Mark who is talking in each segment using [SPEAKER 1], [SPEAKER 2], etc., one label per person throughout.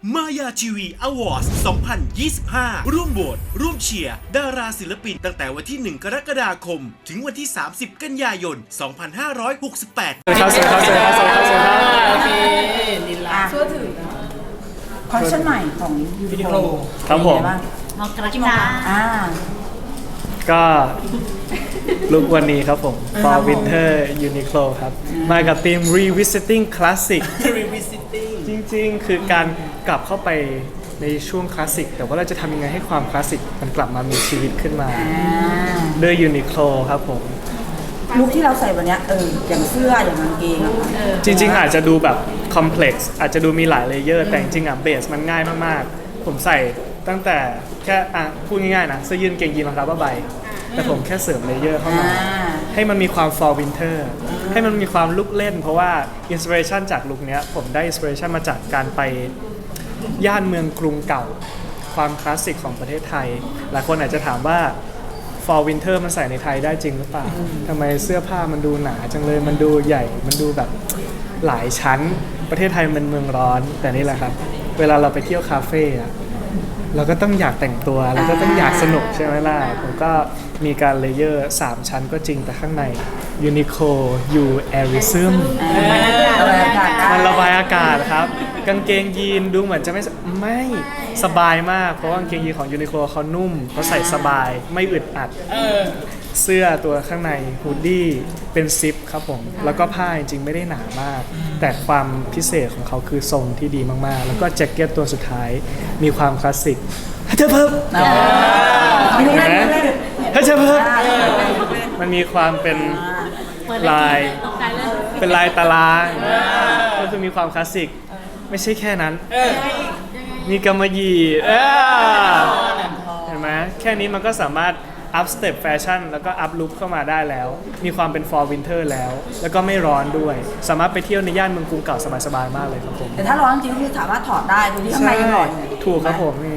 [SPEAKER 1] มายาทีวีอวอร์ด2025 ร่วมโหวตร่วมเชียร์ดาราศิลปินตั้งแต่วันที่ 1 กรกฎาคม ถึงวันที่ 30 กันยายน 2568
[SPEAKER 2] ครับสวัสดีครับสวัสดีครับสวัสดีครับสวัสดีครับ
[SPEAKER 3] โอเคลินลา
[SPEAKER 4] ช่วยถือคอลเลคชั่นใหม่ของยูนิโคล
[SPEAKER 2] ครับผม
[SPEAKER 4] มกรกฎา
[SPEAKER 2] ก็ลุกวันนี้ครับผม
[SPEAKER 4] ครั
[SPEAKER 2] For
[SPEAKER 4] บผม
[SPEAKER 2] Winter Uniqlo ครับ มากับธีม Revisiting Classic
[SPEAKER 3] Revisiting
[SPEAKER 2] จริงๆ คือการกลับเข้าไปในช่วงคลาสสิก แต่ว่าเราจะทำยังไงให้ความคลาสสิกมันกลับมามีชีวิตขึ้นมาด้วย Uniqlo ครับผม
[SPEAKER 4] ลุคที่เราใส่วันเนี้ยอย่างเสื้ออย่างกางเกงอะค่ะ
[SPEAKER 2] จริงๆ อาจจะดูแบบคอมเพล็กซ์อาจจะดูมีหลายเลเยอร์แต่จริงๆอ่ะเบสมันง่ายมากๆ ผมใส่ตั้งแต่แค่พูดง่ายๆนะเสื้อยืดเกงยีนรองเท้าผ้าใบแต่ผมแค่เสริมเลเยอร์เข้ามา ให้มันมีความ fall winter ให้มันมีความลุกเล่น เพราะว่าอินสปิเรชันจากลุคเนี้ยผมได้อินสปิเรชันมาจากการไปย่านเมืองกรุงเก่า ความคลาสสิกของประเทศไทย หลายคนอาจจะถามว่า fall winter มันใส่ในไทยได้จริงหรือเปล่าทำไมเสื้อผ้ามันดูหนาจังเลยมันดูใหญ่มันดูแบบหลายชั้นประเทศไทยมันเป็นเมืองร้อนแต่นี่แหละครับ เวลาเราไปเที่ยวคาเฟ่อะเราก็ต้องอยากแต่งตัวเราก็ต้องอยากสนุกใช่ไหมล่ะผมก็มีการเลเยอร์3ชั้นก็จริงแต่ข้างใน Uniqlo U Airism มันระบายอากาศครับกางเกงยีนดูเหมือนจะไม่สบายมากเพราะว่ากางเกงยีนของ Uniqlo เขานุ่มเขาใส่สบายไม่อึดอัดเสื้อตัวข้างในฮูดดี้เป็นซิปครับผมแล้วก็ผ้าจริงๆไม่ได้หนามาก แต่ความพิเศษของเขาคือทรงที่ดีมากๆ แล้วก็แจ็คเก็ตตัวสุดท้ายมีความคลาสสิกฮัทเทอร์เพิร์ฮัทเทอร์เพิร์มันมีความเป็นลายเป็นลายตารางก็คือมีความคลาสสิกไม่ใช่แค่นั้นมีกำมะหยี่เห็นไหมแค่นี้มันก็สามารถอัพสเต็ปแฟชั่นแล้วก็อัพลุคเข้ามาได้แล้วมีความเป็น fall winter แล้วก็ไม่ร้อนด้วยสามารถไปเที่ยวในย่านเมืองกรุงเก่าสบายๆมากเลยครับผม
[SPEAKER 4] แต่ถ้าร้อนจริงๆคือสามารถถอดได้ดูที่ข้างในยังร้อนอยู่
[SPEAKER 2] ถูกครับผมนี่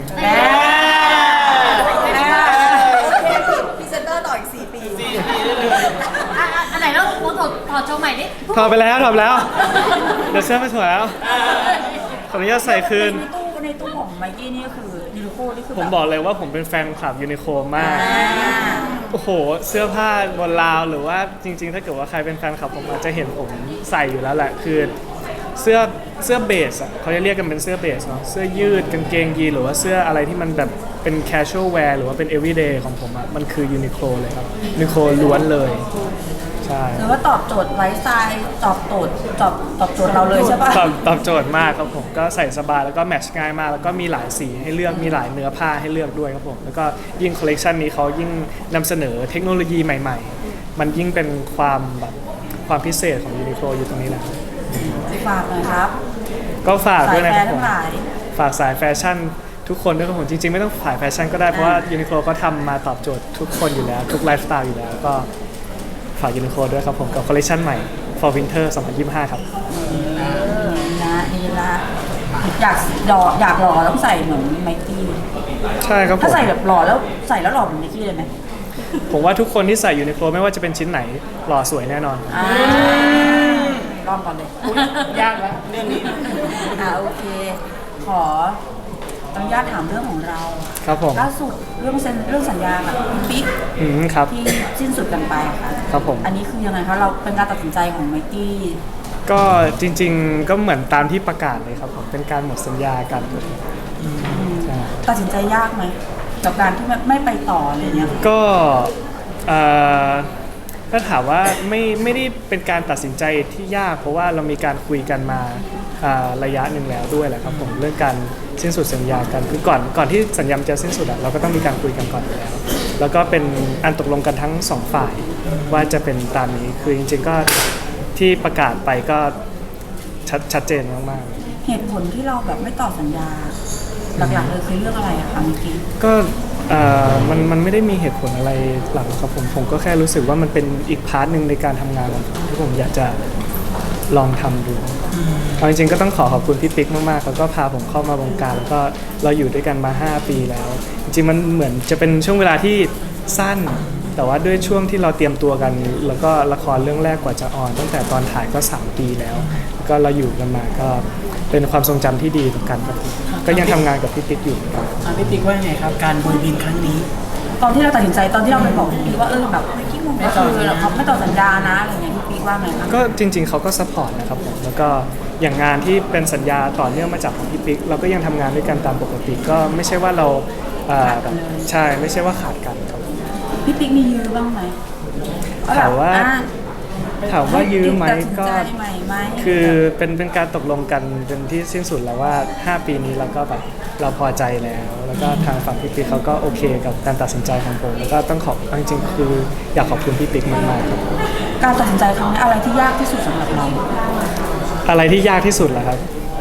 [SPEAKER 4] พรีเซนเตอร์ต่ออีก4 ปี
[SPEAKER 5] อันไหนแล้วถอดโชว์ใหม่ดิ
[SPEAKER 2] ถอดไปแล้วเดี๋ยวเสื้อไม่สวยแล้วขออนุญาตใส่คืน
[SPEAKER 4] ในตู้ของไมกี้นี่ก็คือยูนิโคนี่คือ
[SPEAKER 2] ผมบอกเลยว่าผมเป็นแฟนคลับยูนิโคมากโอ้โหเสื้อผ้าบนราวหรือว่าจริงๆถ้าเกิดว่าใครเป็นแฟนคลับผมอาจจะเห็นผมใส่อยู่แล้วแหละคือเสื้อเบสอ่ะเขาจะเรียกกันเป็นเสื้อเบสเนาะเสื้อยืดกางเกงยีนหรือว่าเสื้ออะไรที่มันแบบเป็น casual wear หรือว่าเป็น everyday ของผมอ่ะมันคือยูนิโคเลยครับยูนิโคล้วนเลยใช่
[SPEAKER 4] หรือว่าตอบโจทย์ไลฟ์สไตล์ตอบโจทย์เราเลยใช่ปะ
[SPEAKER 2] ตอบโจทย์มากครับผมก็ใส่สบายแล้วก็แมทช์ง่ายมากแล้วก็มีหลายสีให้เลือกมีหลายเนื้อผ้าให้เลือกด้วยครับผมแล้วก็ยิ่งคอลเลกชันนี้เขายิ่งนำเสนอเทคโนโลยีใหม่ๆมันยิ่งเป็นความพิเศษของยูนิโคลอยู่ตรงนี้แหละ
[SPEAKER 4] ฝากหน่อยครับ
[SPEAKER 2] ก็ฝากด้วยนะครับผม
[SPEAKER 4] สายแฟร์ทั้งหลาย
[SPEAKER 2] ฝากสายแฟชั่นทุกคนด้วยครับผมจริงๆไม่ต้องสายแฟชั่นก็ได้เพราะว่ายูนิโคลก็ทำมาตอบโจทย์ทุกคนอยู่แล้วทุกไลฟ์สไตล์อยู่แล้วก็ฝากยูนิโคลด้วยครับผมกับคอลเลคชันใหม่ For Winter 2025 ครับ
[SPEAKER 4] นี่ละอยากหล่อต้องใส่เหมือนไมกี้
[SPEAKER 2] ใช่ครับผม
[SPEAKER 4] ถ้าใส่แบบหล่อแล้วใส่แล้วหล่อเหมือนไมกี้เลยไหม
[SPEAKER 2] ผมว่าทุกคนที่ใส่ยูนิโคลไม่ว่าจะเป็นชิ้นไหนหล่อสวยแน่นอน
[SPEAKER 4] ลองก่อนเลย
[SPEAKER 3] ยากแล้วเรื่องนี้
[SPEAKER 4] โอเค ขออนุญาตถามเรื่องของเรา
[SPEAKER 2] ครับผม
[SPEAKER 4] ล่าสุดเรื่องสัญญากับคุณปิ๊ก
[SPEAKER 2] ครับ
[SPEAKER 4] ที่สิ้นสุดกันไปค่ะ
[SPEAKER 2] ครับผม
[SPEAKER 4] อันนี้คือยังไงคะเราเป็นการตัดสินใจของไมกี้
[SPEAKER 2] ก็จริงๆก็เหมือนตามที่ประกาศเลยครับผมเป็นการหมดสัญญากันใช่
[SPEAKER 4] ตัดสินใจยากไหมกับการที่ไม่ไปต่ออะไรเงี้ย
[SPEAKER 2] ก็ถ้าถามว่าไม่ได้เป็นการตัดสินใจที่ยากเพราะว่าเรามีการคุยกันมาระยะหนึ่งแล้วด้วยแหละครับผมเรื่องการสิ้นสุดสัญญากันคือก่อนที่สัญญาจะสิ้นสุดเราก็ต้องมีการคุยกันก่อนอยู่แล้วแล้วก็เป็นอันตกลงกันทั้งสองฝ่ายว่าจะเป็นตามนี้คือจริงๆก็ที่ประกาศไปก็ชัดเจนมากๆ
[SPEAKER 4] เหตุผลที่เราแบบไม่ต่อสัญญาหลักๆเลยคือเรื่องอะไรอะคะเมื่อกี้
[SPEAKER 2] ก็มันไม่ได้มีเหตุผลอะไรหลักครับผมก็แค่รู้สึกว่ามันเป็นอีกพาร์ทหนึ่งในการทำงานของผมที่ผมอยากจะลองทำดูเอาจริงๆก็ต้องขอบคุณพี่ปิ๊กมากๆแล้วก็พาผมเข้ามาวงการแล้วก็เราอยู่ด้วยกันมา5 ปีแล้วจริงๆมันเหมือนจะเป็นช่วงเวลาที่สั้นแต่ว่าด้วยช่วงที่เราเตรียมตัวกันแล้วก็ละครเรื่องแรกกว่าจะออนตั้งแต่ตอนถ่ายก็3 ปีแล้วก็เราอยู่กันมาก็เป็นความทรงจำที่ดีต่อกันครับก็ยังทำงานกับพี่ติ๊กอยู่ครับ
[SPEAKER 3] พี่ติ๊กว่าไงครับการโบยบินครั้งนี้
[SPEAKER 4] ตอนที่เราตัดสินใจตอนที่เราไปบอกพี่ปิ๊กว่าแบบไม่คิดว่าก็คือเขาไม่ต่อสัญญานะอะไรเงี้ยพี่ปิ๊กว่าไงคะ
[SPEAKER 2] ก็จริงๆเขาก็ซัพพอร์ตนะครับผมแล้วก็อย่างงานที่เป็นสัญญาต่อเนื่องมาจากของพี่ปิ๊กเราก็ยังทำงานด้วยกันตามปกติก็ไม่ใช่ว่าเราแบบใช่ไม่ใช่ว่าขาดกันครับ
[SPEAKER 4] พี่ปิ๊กมียื้อบ้างไหม
[SPEAKER 2] ถามว่ายื้อไหมก็
[SPEAKER 4] ตัดสินใจใหม่ไหม
[SPEAKER 2] คือเป็นการตกลงกันเป็นที่สิ้นสุดแล้วว่า 5 ปีนี้เราก็แบบเราพอใจแล้วก็ทางฝั่งพี่ปิ๊กเขาก็โอเคกับการตัดสินใจของผมแล้วก็ต้องขอบจริงๆคืออยากขอบคุณพี่ปิ๊กมากๆครับ
[SPEAKER 4] การตัดสินใจครั้งนี้อะไรที่ยากที่สุดสำหรับเรา
[SPEAKER 2] อะไรที่ยากที่สุดเหรอครับ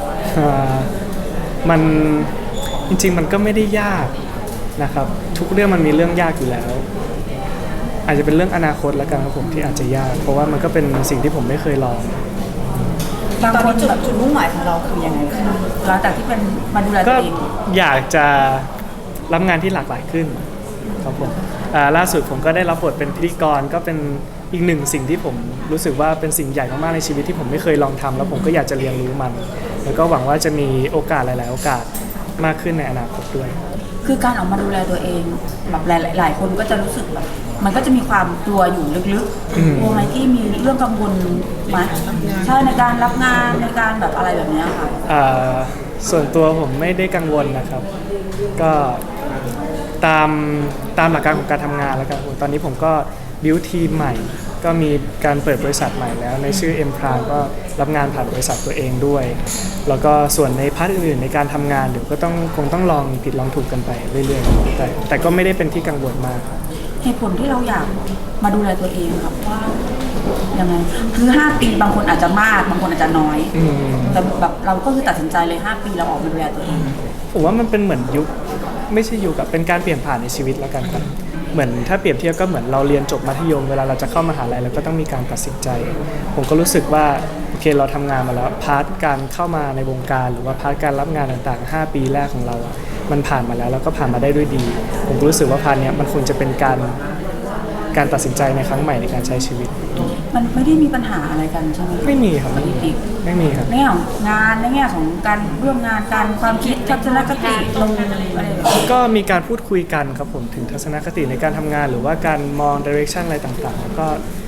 [SPEAKER 2] มันจริงๆมันก็ไม่ได้ยากนะครับทุกเรื่องมันมีเรื่องยากอยู่แล้ว อาจจะเป็นเรื่องอนาคตแล้วกันครับผมที่อาจจะยากเพราะว่ามันก็เป็นสิ่งที่ผมไม่เคยลอง
[SPEAKER 4] บางคนจุดมุ่งหมายของเราคือยังไงหลังจากที่เป็นมาดูแลตั
[SPEAKER 2] ก็
[SPEAKER 4] วเอง
[SPEAKER 2] อยากจะรับงานที่หลากหลายขึ้นครับผมล่าสุดผมก็ได้รับบทเป็นพิธีกรก็เป็นอีกหนึ่งสิ่งที่ผมรู้สึกว่าเป็นสิ่งใหญ่มากๆในชีวิตที่ผมไม่เคยลองทำแล้วผมก็อยากจะเรียนรู้มัน แล้วก็หวังว่าจะมีโอกาสหลาย ๆ โอกาสมากขึ้นในอนาคตด้วย
[SPEAKER 4] คือการออกมาดูแลตัวเองแบบหลายคนก็จะรู้สึกแบบมันก็จะมีความกลัวอยู่ลึกๆกลัวไหมที่มีเรื่องกังวลไหมใช่ในการรับงานในการแบบอะไรแบบนี้ค่ะ
[SPEAKER 2] ส่วนตัวผมไม่ได้กังวลนะครับ ก็ตามหลักการของการทำงานแล้วกันตอนนี้ผมก็บิวทีมใหม่ ก็มีการเปิดบริษัทใหม่แล้วในชื่อ M Prime ก็รับงานผ่านบริษัทตัวเองด้วย แล้วก็ส่วนในพาร์ทอื่นๆในการทำงานเดี๋ยวก็คงต้องลองผิดลองถูกกันไปเรื่อยๆแต่ก็ไม่ได้เป็นที่กังวลมากครับ
[SPEAKER 4] เหตุผลที่เราอยากมาดูแลตัวเองครับว่ายังไงคือ5 ปีบางคนอาจจะมากบางคนอาจจะน้อยแต่แบบเราก็คือตัดสินใจเลย5 ปีเราออกมาดูแลตัวเอง
[SPEAKER 2] ผมว่ามันเป็นเหมือนยุคไม่ใช่ยุคกับเป็นการเปลี่ยนผ่านในชีวิตแล้วกันครับเหมือนถ้าเปรียบเทียบก็เหมือนเราเรียนจบมัธยมเวลาเราจะเข้ามหาลัยเราก็ต้องมีการตัดสินใจ ผมก็รู้สึกว่าโอเคเราทำงานมาแล้วพาร์ทการเข้ามาในวงการหรือว่าพาร์ทการรับงานต่างๆ5 ปีแรกของเราอะมันผ่านมาแล้วก็ผ่านมาได้ด้วยดี ผมก็รู้สึกว่าพาร์ทเนี้ยมันควรจะเป็นการตัดสินใจในครั้งใหม่ในการใช้ชีวิต
[SPEAKER 4] มันไม่ได้มีปัญหาอะไรกันใช่ไหม
[SPEAKER 2] ไม่มีครับไม่มีครับ
[SPEAKER 4] ในแง่ของงานในแง่ของการร่วมงานการความคิดทัศนคติลงอะไรแบบนี้
[SPEAKER 2] ก็มีการพูดคุยกันครับผมถึงทัศนคติในการทำงานหรือว่าการมองดิเรกชันอะไรต่างๆ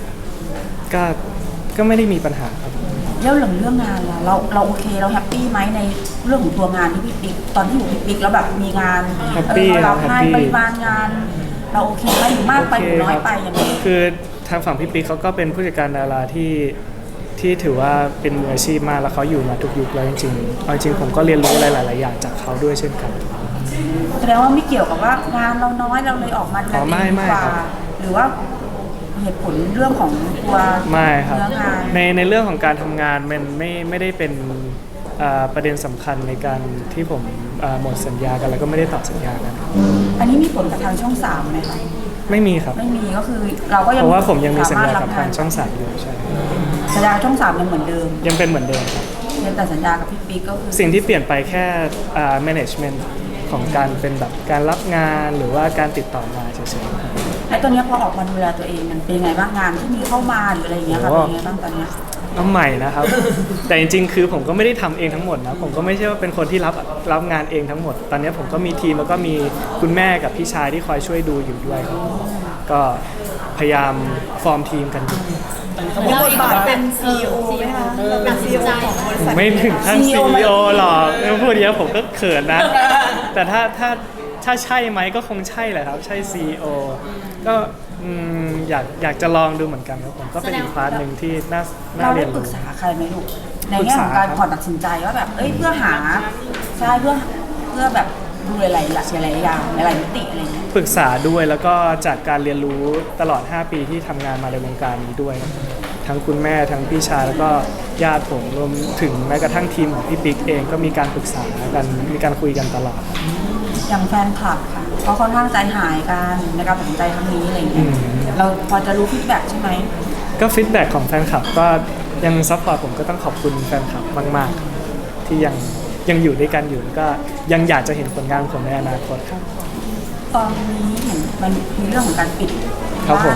[SPEAKER 2] ก็ไม่ได้มีปัญหาครับ
[SPEAKER 4] แล้วเรื่องงานล่ะเราโอเคเราแฮปปี้ไหมในเรื่องของตัวงานที่พี่ปิ๊กตอนที่อยู่พี่ปิ๊กแล้วแบบมีงาน
[SPEAKER 2] แฮปปี้
[SPEAKER 4] เรา
[SPEAKER 2] ครับ
[SPEAKER 4] ให้
[SPEAKER 2] แฮปปี้
[SPEAKER 4] ปริมาณงานเราโอเคไหมหรือมากไปหรือน้อยไปอย่างนี้
[SPEAKER 2] คือทางฝั่งพี่ปิ๊กเขาก็เป็นผู้จัดการดาราที่ถือว่าเป็นมืออาชีพมากแล้วเขาอยู่มาทุกยุคแล้วจริงๆเอาจริงผมก็เรียนรู้อะไรหลายๆอย่างจากเขาด้วยเช่นกัน
[SPEAKER 4] แสดงว่าไม่เกี่ยวกับว่างานเราน้อยเราเลยออกมาดูแลตัวเองดีกว่า
[SPEAKER 2] ครับ
[SPEAKER 4] หรือว่าเหตุผลเรื่องของตัว
[SPEAKER 2] ไม่ครับ
[SPEAKER 4] เนื้องาน
[SPEAKER 2] ในเรื่องของการทำงานมันไม่ได้เป็นประเด็นสำคัญในการที่ผมหมดสัญญากันแล้วก็ไม่ได้ต่อสัญญากัน
[SPEAKER 4] อันนี้มีผลกับทางช่อง3ไหมคะ
[SPEAKER 2] ไม่มีครับ
[SPEAKER 4] ไม่มีก็คือเราก็ยัง
[SPEAKER 2] เพราะว่าผมยังมีสัญญา
[SPEAKER 4] สรถ
[SPEAKER 2] กับทางช่อง3อยู่ใช่
[SPEAKER 4] สัญญาช่อง3ยังเหมือนเดิม
[SPEAKER 2] ยังเป็นเหมือนเดิมครับ
[SPEAKER 4] เพียงแต่สัญญากับพี่ปิ๊กก็คือ
[SPEAKER 2] สิ่งที่เปลี่ยนไปแค่ management ของการเป็นแบบการรับงานหรือว่าการติดต่องานเฉยๆครับ
[SPEAKER 4] และตอนนี้พอออกมาดูแลตัวเองมันเป็นยังไงบ้างงานที่มีเข้ามาหรืออะไรอย่างเงี้ยค่ะ
[SPEAKER 2] โอ้
[SPEAKER 4] เป็นยังไงบ้างตอนเนี้ย
[SPEAKER 2] เอาใหม่นะครับ แต่จริงๆคือผมก็ไม่ได้ทำเองทั้งหมดนะผมก็ไม่ใช่ว่าเป็นคนที่รับงานเองทั้งหมด ตอนนี้ผมก็มีทีมแล้วก็มีคุณแม่กับพี่ชายที่คอยช่วยดูอยู่ด้วยครับก็พยายามฟอร์มทีมกันอยู่
[SPEAKER 5] มีบทบาทเป็น CEO ไหมคะตัดสินใจ
[SPEAKER 2] ไม่ถึงขั้น CEO หรอกพูดเยอะผมก็เขินนะ แต่ถ้าใช่ไหมก็คงใช่แหละครับ ใช่ CEO ก็อยากจะลองดูเหมือนกันครับผมก็เป็นอีกพาร์ทหนึ่งที่น่า
[SPEAKER 4] เรา
[SPEAKER 2] เรี
[SPEAKER 4] ได้
[SPEAKER 2] ยน
[SPEAKER 4] ปรึ
[SPEAKER 2] รู้
[SPEAKER 4] กษาใครไหมลูกในแง่ของการก่อนตัดสินใจว่าแบบเพื่อหาใช่เพื่อแบบดูหลายๆอย่างหลายๆมิติอะไรเงี้ย
[SPEAKER 2] ปรึกษาด้วยแล้วก็จากการเรียนรู้ตลอด 5 ปีที่ทำงานมาในวงการนี้ด้วยครับทั้งคุณแม่ทั้งพี่ชายแล้วก็ญาติผมรวมถึงแม้กระทั่งทีมของพี่ปิ๊กเองก็มีการปรึกษากันมีการคุยกันตลอด
[SPEAKER 4] อย่างแฟนคลับค่ะเขาค่อนข้างใจหายกันในการตัดสินใจครั้งนี้อะไรเงี้ยเราพอจะรู้ฟีดแบ็กใช่ไหม
[SPEAKER 2] ก็ฟีดแบ็กของแฟนคลับก็ยังซัพพอร์ตผมก็ต้องขอบคุณแฟนคลับมากๆที่ยังอยู่ด้วยกันอยู่แล้วก็ยังอยากจะเห็นผลงานของผมในอนาคตครับ
[SPEAKER 4] ตอนนี้เห็นมันมีเรื่องของการปิด
[SPEAKER 2] ครับผม
[SPEAKER 4] บ้าน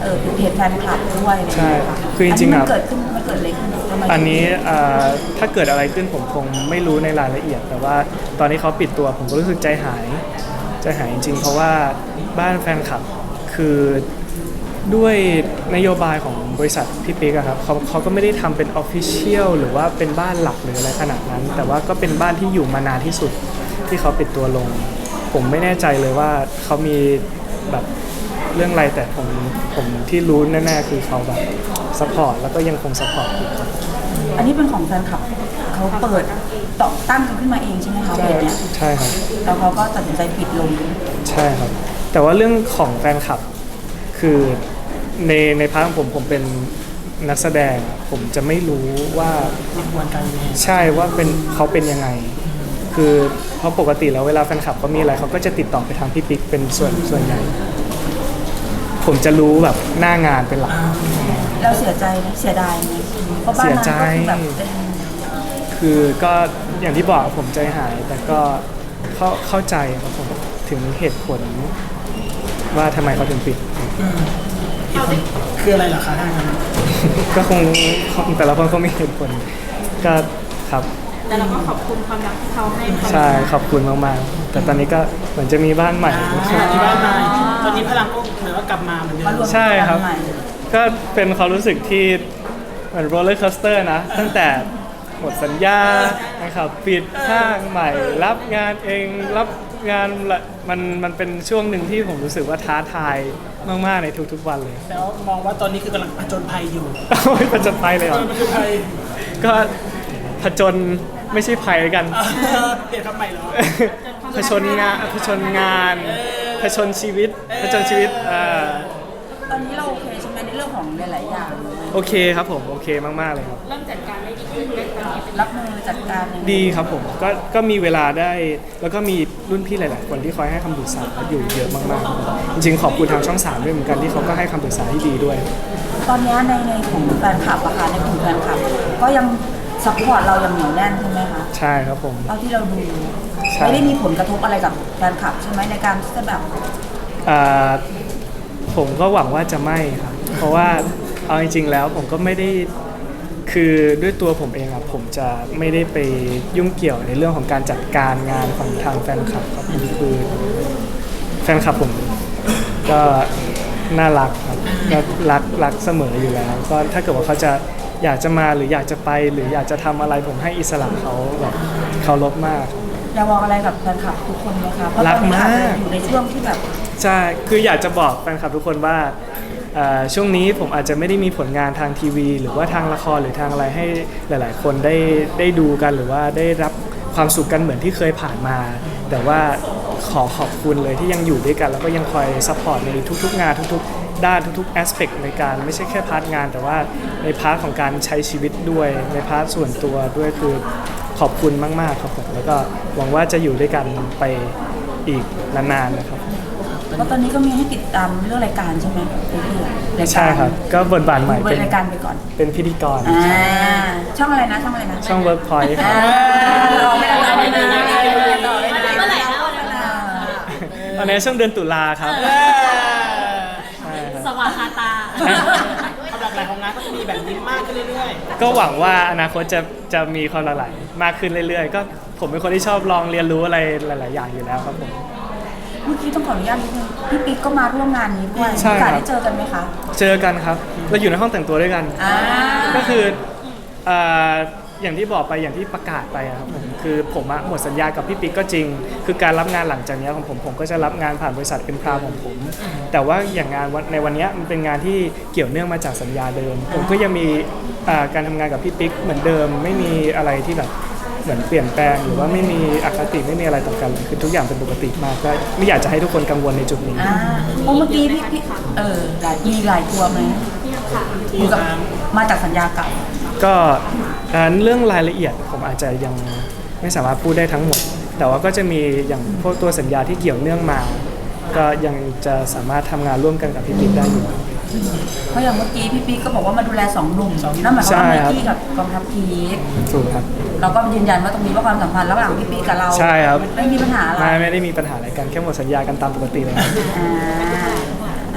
[SPEAKER 4] เพจแฟนคลับด้วยอะไรอย่าง
[SPEAKER 2] ใช่
[SPEAKER 4] เงี้ยค่ะ
[SPEAKER 2] คือจริงๆ
[SPEAKER 4] มัน
[SPEAKER 2] อะ
[SPEAKER 4] เกิดขึ้นมันเกิดอะไรขึ้นทำไม
[SPEAKER 2] อันนี้ถ้าเกิดอะไรขึ้นผมคงไม่รู้ในรายละเอียด แต่ว่าตอนนี้เขาปิดตัวผมก็รู้สึกใจหายจริงๆเพราะว่าบ้านแฟนคลับคือด้วยนโยบายของบริษัทพี่ปิ๊กอะครับเขาก็ไม่ได้ทำเป็นออฟฟิเชียลหรือว่าเป็นบ้านหลักหรืออะไรขนาดนั้น แต่ว่าก็เป็นบ้านที่อยู่มานานที่สุดที่เขาปิดตัวลง ผมไม่แน่ใจเลยว่าเขามีแบบเรื่องอะไรแต่ผมที่รู้แน่ๆคือเขาแบบซัพพอร์ตแล้วก็ยังคงซัพพอร์ตอยู่ครับ
[SPEAKER 4] อันนี้เป็นของแฟนคลับเขาเปิดต่อตั้งกันขึ้นมาเองใช่ไหมคะเพจเนี้ย
[SPEAKER 2] ใช่ครับ
[SPEAKER 4] แล้วเขาก็ตัดสินใจปิดลง
[SPEAKER 2] ใช่ครับ แต่ว่าเรื่องของแฟนคลับคือในพาร์ทของผมเป็นนักแสดงอะผมจะไม่รู้ว่า
[SPEAKER 3] กระบวนการยังไง
[SPEAKER 2] ใช่ว่าเขาเป็นยังไง คือเพราะปกติแล้วเวลาแฟนคลับเขามีอะไรเขาก็จะติดต่อไปทางพี่ปิ๊กเป็นส่วนใหญ่ ผมจะรู้แบบหน้างานเป็นหลัก
[SPEAKER 4] เราเสียใจไหมเสียดายไหมเพราะบ้านนั้นก็คือแบบเป็น
[SPEAKER 2] คือก็อย่างที่บอกผมใจหาย แต่ก็เข้าใจครับผมถึงเหตุผลว่าทำไมเขาถึงปิด
[SPEAKER 3] คืออะไรเหรอคะทางนั้น
[SPEAKER 2] ก็คงแต่ละคนเขามีเหตุผลก็ครับ
[SPEAKER 5] แต่เราก็ขอบคุณความรักที่เขาให้
[SPEAKER 2] ใช่ขอบคุณมากๆแต่ตอนนี้ก็เหมือนจะมีบ้านใหม่
[SPEAKER 3] ที่บ้านมาตอนนี้พลังก็เหมือนว่ากลับมาเหมือนเดิ
[SPEAKER 4] มาม รวม
[SPEAKER 2] ใช่ครับ
[SPEAKER 4] กันใหม่
[SPEAKER 2] ก็เป็นความรู้สึกที่เหมือนโรลเลอร์คอสเตอร์นะตั้งแต่หมดสัญญานะครับปิดห้างใหม่ รับงานเองรับงานละมันเป็นช่วงหนึ่งที่ผมรู้สึกว่าท้าทายมากๆในทุกๆวันเลย
[SPEAKER 3] แล้วมองว่าตอนนี้คือกำลังผจญภัยอยู่
[SPEAKER 2] โอ้ยผจญภัยเลยเหรอ
[SPEAKER 3] ผจญภัย
[SPEAKER 2] ก็ผจญไม่ใช่ภัยแล้วกัน
[SPEAKER 3] เปลี่ยนคำใหม่เหรอ
[SPEAKER 2] ผจญงานผจญงานผจญชีวิตผจญชีวิต
[SPEAKER 4] ตอนนี้เราโอเคใช่ไหมในเรื่องของหลายๆอย่าง
[SPEAKER 2] โอเคครับผมโอเคมากๆเลยครับ
[SPEAKER 5] เริ่มจัดการได้ดีขึ้นไหมตอนนี้
[SPEAKER 4] รับมือจัดการยังไง
[SPEAKER 2] ดีครับผมก็มีเวลาได้แล้วก็มีรุ่นพี่หลาย ๆ คนที่คอยให้คำปรึกษาอยู่เยอะมากๆครับจริงๆขอบคุณทางช่อง3ด้วยเหมือนกันที่เขาก็ให้คำปรึกษาที่ดีด้วย
[SPEAKER 4] ตอนนี้ในของแฟนคลับอะค่ะในกลุ่มแฟนคลับ ก็ยังซัพพอร์ตเราอย่างเหนียวแน่นใช่ไหมคะ
[SPEAKER 2] ใช่ครับผม
[SPEAKER 4] เท่าที่เราดู
[SPEAKER 2] ใช่
[SPEAKER 4] ไม่ได้มีผลกระทบอะไรกับแฟนคลับใช่ไหมในการที่จะแบบ
[SPEAKER 2] อ่าผมก็หวังว่าจะไม่ครับเพราะว่าเอาจริง ๆ แล้วผมก็ไม่ได้คือด้วยตัวผมเองอะผมจะไม่ได้ไปยุ่งเกี่ยวในเรื่องของการจัดการงานของทางแฟนคลับครับผมคือแฟนคลับผมก็น่ารักครับก็รักเสมออยู่แล้ว ก็ถ้าเกิดว่าเขาจะอยากจะมาหรืออยากจะไปหรืออยากจะทำอะไรผมให้อิสระเขาแบบเคารพมาก
[SPEAKER 4] อยากบอกอะไรกับแฟนคลับทุกคนไหมคะเพราะต
[SPEAKER 2] รั
[SPEAKER 4] อน
[SPEAKER 2] ก
[SPEAKER 4] นี้
[SPEAKER 2] มาก
[SPEAKER 4] อาจจะอยู่ในช่วงที่แบบ
[SPEAKER 2] ใช่ คืออยากจะบอกแฟนคลับทุกคนว่าช่วงนี้ผมอาจจะไม่ได้มีผลงานทางทีวี หรือว่าทางละครหรือทางอะไรให้หลาย ๆ คนได้ดูกันหรือว่าได้รับความสุขกันเหมือนที่เคยผ่านมา แต่ว่าขอบคุณเลยที่ยังอยู่ด้วยกัน แล้วก็ยังคอยซัพพอร์ตในทุกๆงานทุกๆด้านทุกๆแอสเปกในการไม่ใช่แค่พาร์ทงาน แต่ว่าในพาร์ทของการใช้ชีวิตด้วยในพาร์ทส่วนตัวด้วยคือขอบคุณมากๆครับผมแล้วก็หวังว่าจะอยู่ด้วยกันไปอีกนานๆนะครับ
[SPEAKER 4] เพราะตอนนี้ก็มีให้ติดตามเรื่องรายการใช่ไหมพี่รายการ
[SPEAKER 2] ใช่ครับ ก็บทบาทใหม่
[SPEAKER 4] ดูรายการไปก่อน
[SPEAKER 2] เป็นพิธีกร
[SPEAKER 4] ช่องอะไรนะช่องอะไรนะ
[SPEAKER 2] ช่อง Workpoint ครับ
[SPEAKER 4] เราไม่ได้ไม่ได้ไม่ได้ไม่ได้
[SPEAKER 5] เมื่อไหร่นะวันนั้น
[SPEAKER 2] ตอนนี้ช่วงเดือนตุลาครับใช่ครับ
[SPEAKER 5] สว่างคาตา
[SPEAKER 3] ความหลากหลายของงานก็จะมีแบบนี้มากขึ้นเรื่อย
[SPEAKER 2] ก็หวังว่าอนาคตจะมีความหลากหลายมากขึ้นเรื่อยๆ ก็ผมเป็นคนที่ชอบลองเรียนรู้อะไรหลาย ๆ อย่างอยู่แล้วครับผม
[SPEAKER 4] เมื่อกี้ต้องขออนุญาตนิดนึงพี่ปิ๊กก็มาร่วมงานนี้ด้วย
[SPEAKER 2] ใช่
[SPEAKER 4] โอกาส
[SPEAKER 2] ครับ
[SPEAKER 4] ได้เจอกันไหมคะ
[SPEAKER 2] เจอกันครับ เราอยู่ในห้องแต่งตัวด้วยกัน ก็คืออย่างที่บอกไปอย่างที่ประกาศไปอะครับผมคือผมหมดสัญญากับพี่ปิ๊กก็จริง คือการรับงานหลังจากนี้ของผมก็จะรับงานผ่านบริษัทเอ็มพราวของผม แต่ว่าอย่างงานในวันนี้มันเป็นงานที่เกี่ยวเนื่องมาจากสัญญาเดิม ผมก็ยังมีการทำงานกับพี่ปิ๊กเหมือนเดิม ไม่มีอะไรที่แบบเหมือนเปลี่ยนแปลงหรือว่าไม่มีอคติไม่มีอะไรต่อกันเลยคือทุกอย่างเป็นปกติมากก็ไม่อยากจะให้ทุกคนกังวลในจุดนี้
[SPEAKER 4] เพราะเมื่อกี้พี่หลายตัวไหมอยู่กับมาจากสัญญาเก่า
[SPEAKER 2] ก็เรื่องรายละเอียดผมอาจจะยังไม่สามารถพูดได้ทั้งหมด แต่ว่าก็จะมีอย่างพวกตัวสัญญาที่เกี่ยวเนื่องมา ก็ยังจะสามารถทำงานร่วมกันกับพี่ปิ๊กได้อยู่
[SPEAKER 4] เพราะอย่างเมื่อกี้พี่ปิ๊กก็บอกว่ามาดูแล2 หนุ่มนั่นหมายความว่า
[SPEAKER 2] ใช่
[SPEAKER 4] ไม
[SPEAKER 2] ครับ
[SPEAKER 4] กี้กับกองทัพพีค
[SPEAKER 2] ถูกครับ
[SPEAKER 4] เราก็ยืนยันว่าตรงนี้ว่าความสัมพันธ์ระหว่างพี่ปิ๊กกับเรา
[SPEAKER 2] ใช่ครับ
[SPEAKER 4] ไม่มีปัญหาอะไร
[SPEAKER 2] ไม่ได้มีปัญหาอะไรกันแค่หมดสัญญากันตามปกติเลยครับ
[SPEAKER 4] อ่า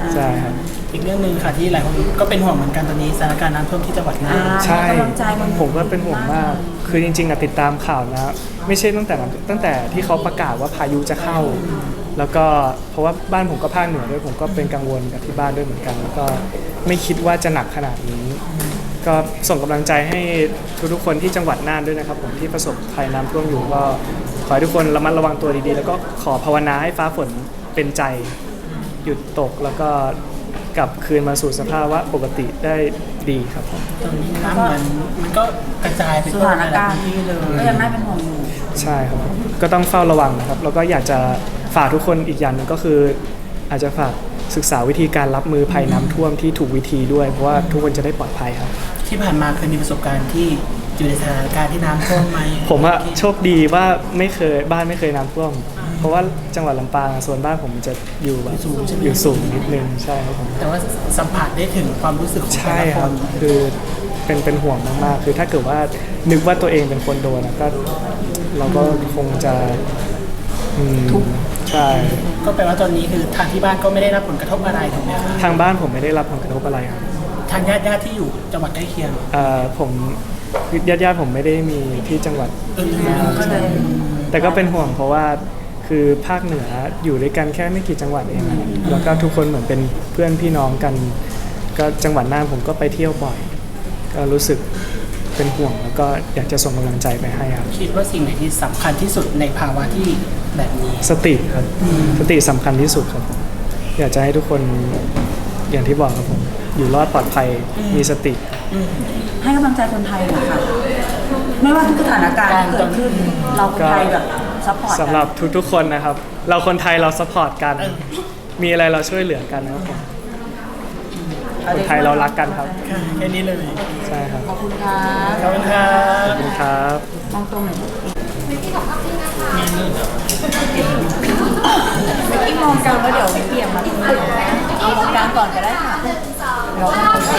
[SPEAKER 2] ใช่ครับ
[SPEAKER 3] อีกเรื่องหนึ่งค่ะที่หลายคนก็เป็นห่วงเหมือนกันตอนนี้สถานการณ์น้ำท่วมที่จังหวัดน่าน
[SPEAKER 2] ใช่
[SPEAKER 4] กำลังใจมัน
[SPEAKER 2] ผมก็เป็นห่วงมาก คือจริงๆอะติดตามข่าวนะ ไม่ใช่ตั้งแต่ที่เขาประกาศว่าพายุจะเข้า แล้วก็เพราะว่าบ้านผมก็ภาคเหนือด้วยผมก็เป็นกังวลกับที่บ้านด้วยเหมือนกัน แล้วก็ไม่คิดว่าจะหนักขนาดนี้ ก็ส่งกำลังใจให้ทุกๆคนที่จังหวัดน่านด้วยนะครับผมที่ประสบภัยน้ำท่วมอยู่ก็ขอให้ทุกคนระมัดระวังตัวดีๆ แล้วก็ขอภาวนาให้ฟ้าฝนเป็นใจ หยุดตกแล้วก็กลับคืนมาสู่สภาวะปกติได้ดีครับผม
[SPEAKER 3] ตอนนี้น้ำเหมือนมันก็กระจายไป
[SPEAKER 4] ส
[SPEAKER 3] ทั่ว
[SPEAKER 4] ถานการณ์
[SPEAKER 3] ที่เลย
[SPEAKER 4] ก็ยังน่าเป็นห่วงอยู่
[SPEAKER 2] ใช่ครับผมก็ต้องเฝ้าระวังนะครับแล้วก็อยากจะฝากทุกคนอีกอย่างหนึงก็คือ อาจจะฝากศึกษาวิธีการรับมือภัยน้ำท่วมที่ถูกวิธีด้วย เพราะว่าทุกคนจะได้ปลอดภัยครับ
[SPEAKER 3] ที่ผ่านมาเคยมีประสบการณ์ที่อยู่ในสถานการณ์ที่น้ำท่วมไหม
[SPEAKER 2] ผมอะโชคดีว่าบ้านไม่เคยน้ำท่วม เพราะว่าจังหวัดลำปางส่วนบ้านผมจะอยู่แบบอยู่สูงนิดนึงใช่ครับผม
[SPEAKER 3] แต่ว่าสัมผัสได้ถึงความรู้สึกของแต่
[SPEAKER 2] ใช่
[SPEAKER 3] ละ
[SPEAKER 2] ค
[SPEAKER 3] ค
[SPEAKER 2] รับ
[SPEAKER 3] น
[SPEAKER 2] คือเป็นห่วงมากๆคือถ้าเกิดว่านึกว่าตัวเองเป็นคนโดนอะก็เราก็คงจะทุกข์ใช่
[SPEAKER 3] ก็แปลว่าตอนนี้คือทางที่บ้านก็ไม่ได้รับผลกระทบอะไรถูกไหมครับ
[SPEAKER 2] ทางบ้านผมไม่ได้รับผลกระทบอะไรครับ
[SPEAKER 3] ทางญาติที่อยู่จังหวัดใกล้เคียง
[SPEAKER 2] ผมญาติผมไม่ได้มีที่จังหวัด
[SPEAKER 4] ก็เลย
[SPEAKER 2] แต่ก็เป็นห่วงเพราะว่าคือภาคเหนืออยู่ด้วยกันแค่ไม่กี่จังหวัดเองอะแล้วก็ทุกคนเหมือนเป็นเพื่อนพี่น้องกัน ก็จังหวัดน่านผมก็ไปเที่ยวบ่อย ก็รู้สึกเป็นห่วงแล้วก็อยากจะส่งกำลังใจไปให้ครับ
[SPEAKER 3] คิดว่าสิ่งไหนที่สำคัญที่สุดในภาวะที่แบบนี้
[SPEAKER 2] สติครับสติสำคัญที่สุดครับผมอยากจะให้ทุกคนอย่างที่บอกครับผมอยู่รอดปลอดภัยมีสติ
[SPEAKER 4] ให้กำลังใจคนไทยหน่อยค่ะไม่ว่าทุกสถานการณ์ที่เกิดขึ้นเราคนไทยแบบซัพพอร์ตกัน
[SPEAKER 2] สำหรับทุกๆคนนะครับ เราคนไทยเราสปอร์ตกัน มีอะไรเราช่วยเหลือกันนะครับผมคนไทยเรารักกันครับ
[SPEAKER 3] ค่ะแค่นี้เลย
[SPEAKER 2] ใช่ครับ
[SPEAKER 4] ขอบคุณค่ะ
[SPEAKER 3] ขอบคุณครั
[SPEAKER 2] ขอบบ คุณครับ
[SPEAKER 4] มองตรงหน่อย
[SPEAKER 5] วิกกี้ของภาพนิ่งนะคะ
[SPEAKER 4] เมื่อกี้มองกลางแล้วเดี๋ยวเปลี่ยนมาตรงนี้เอามองกลางก่อนก็ได้ค่ะเราเป็นคน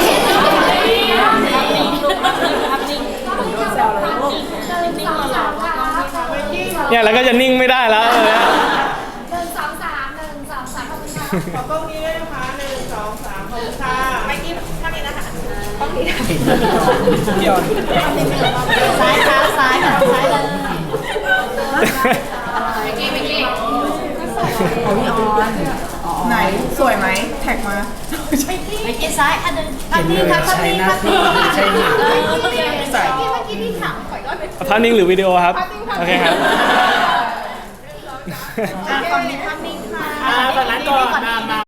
[SPEAKER 4] แซวเลยลูก
[SPEAKER 2] เนี่ยแล้วก็จะนิ่งไม่ได้แล้วเลย
[SPEAKER 5] 1 2 3 1 2 3ขอบคุณค่ะ
[SPEAKER 6] ขอกล้องนี้ด้วยนะคะ1 2 3ขอบคุณค่ะไม่กี้ท่านี้นะคะ
[SPEAKER 3] เดี๋ยว
[SPEAKER 5] ซ้ายเท้าซ้ายค่ะซ้ายเลยวิกกี้วิกกี้
[SPEAKER 4] ของพี่ออนไหนสวยไหมแท็กมา
[SPEAKER 5] วิกกี้ซ้ายอันนึงภาพนิ่งค่ะภาพนิ่งภาพนิ่งใช่ไหมเมื่อกี้ที่ถามข่อยก็เป็น
[SPEAKER 2] ภาพนิ่งหรือวิดีโอครับ โอเคครับ
[SPEAKER 6] ฝั่งนี้ภาพนิ่งค่ะ
[SPEAKER 3] ตอนนั้นก่อนมา